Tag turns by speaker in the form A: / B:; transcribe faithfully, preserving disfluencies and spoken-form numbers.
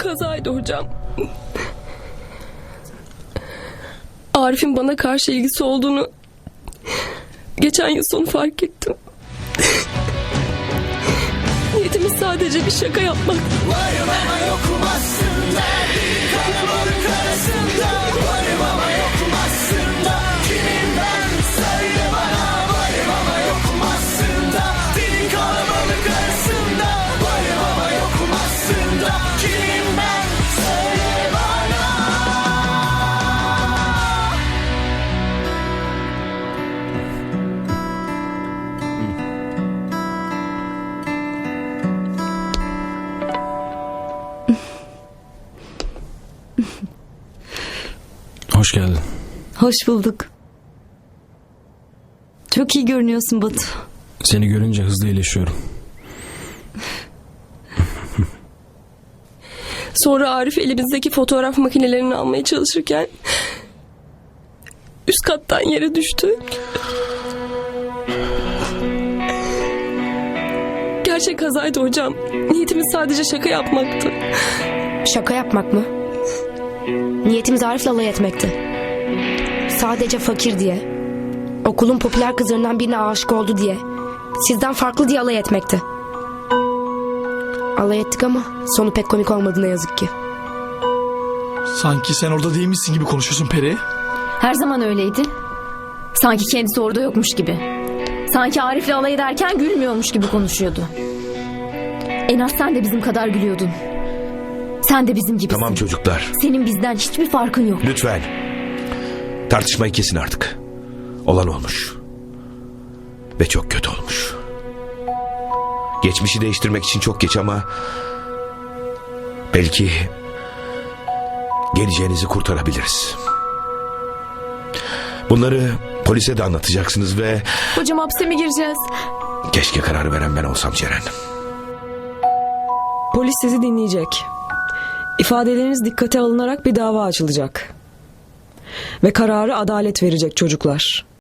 A: Kazaydı hocam. Arif'in bana karşı ilgisi olduğunu geçen yıl sonu fark ettim. Niyetimiz sadece bir şaka yapmak.
B: Varım ama yokum aslında, bir kalabalık arasında. Varım ama yokum aslında, kimim ben söyle bana. Varım ama yokum aslında, bir kalabalık arasında. Varım ama yokum aslında, kimim ben söyle bana.
C: Hoş geldin.
D: Hoş bulduk. Çok iyi görünüyorsun Batu.
C: Seni görünce hızlı iyileşiyorum.
A: Sonra Arif elimizdeki fotoğraf makinelerini almaya çalışırken üst kattan yere düştü. Gerçek kazaydı hocam. Niyetimiz sadece şaka yapmaktı.
E: Şaka yapmak mı? Niyetimiz Arif'le alay etmekti. Sadece fakir diye, okulun popüler kızlarından birine aşık oldu diye, sizden farklı diye alay etmekti. Alay ettik ama sonu pek komik olmadı ne yazık ki.
F: Sanki sen orada değilmişsin gibi konuşuyorsun Peri.
G: Her zaman öyleydi. Sanki kendisi orada yokmuş gibi. Sanki Arif'le alay ederken gülmüyormuş gibi konuşuyordu. En az sen de bizim kadar gülüyordun. Sen de bizim gibisin.
H: Tamam çocuklar.
G: Senin bizden hiçbir farkın yok.
H: Lütfen. Tartışmayı kesin artık. Olan olmuş. Ve çok kötü olmuş. Geçmişi değiştirmek için çok geç ama belki geleceğinizi kurtarabiliriz. Bunları polise de anlatacaksınız ve
A: Hocam hapse mi gireceğiz?
H: keşke karar veren ben olsam Ceren.
I: Polis sizi dinleyecek. İfadeleriniz dikkate alınarak bir dava açılacak. Ve kararı adalet verecek çocuklar.